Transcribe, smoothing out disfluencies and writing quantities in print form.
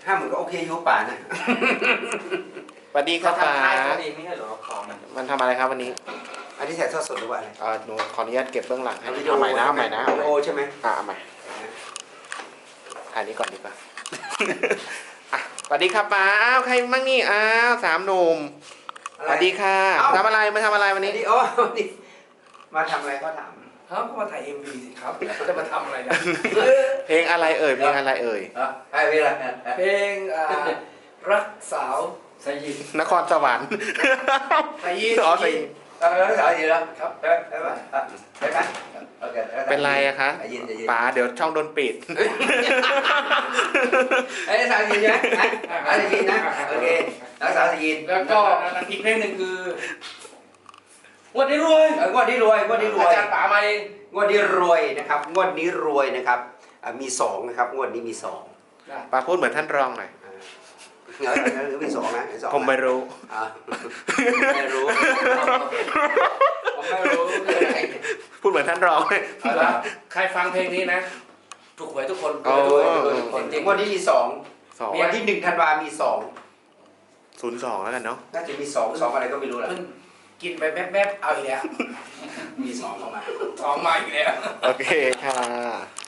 50,000ก็โอเคอยู่ป่านะสวัสดีครับป๋าทำท้ายตัวเองไม่ใช่เหรอของมันทำอะไรครับวันนี้อันนี้ถ่ายทอดสดหรือว่าอะไรหนูขออนุญาตเก็บเบื้องหลังให้วิดีโอเอาใหม่นะเอาใหม่นะวิดีโอใช่ไหมเอาใหม่ถ่ายนี้ก่อนดีกว่า อ่ะสวัสดีครับป๋าอ้าวใครมั่งนี่อ้าว3 หนุ่มสวัสดีค่ะทำอะไรมาทำอะไรวันนี้นี่โอ้นี่มาทำอะไรก็ถามครับก็มาถ่าย MV สิครับจะมาทำอะไรนะเพลงอะไรเอ่ยเพลงอะไรเอ่ยไอ้เวลาเพลงรักสาวสายินนครสวรรค์สายินอ๋อสยินสาวยินแล้วครับได้ไหมได้ไหมโอเคเป็นไรอะคะยินป๋าเดี๋ยวช่องโดนปิดไอ้สาวยินนะสาวยินนะโอเคสาวยินแล้วก็อีกเพลงหนึ่งคือวันนี้รวยงวดนี้รวยงวดนี้รวยอาจารย์ป๋ามาเองงวดนี้รวยนะครับงวดนี้รวยนะครับมี2นะครับงวดนี้มี2 ป๋าพูดเหมือนท่านรองหน่อยมี2นะ2 ผมไม่รู้ไม่รู้ผมไม่รู้พูดเหมือนท่านรองเลยใครฟังเพลงนี้นะถูกหวยทุกคนอ๋อจริงๆงวดนี้มี2 2 วันที่1 ธันวามี2 02แล้วกันเนาะน่าจะมี2อะไรก็ไม่รู้แหละเพิ่งกินไปแป๊บๆเอาอีกแล้วมี2เข้ามาสองมาอีกแล้วโอเคค่ะ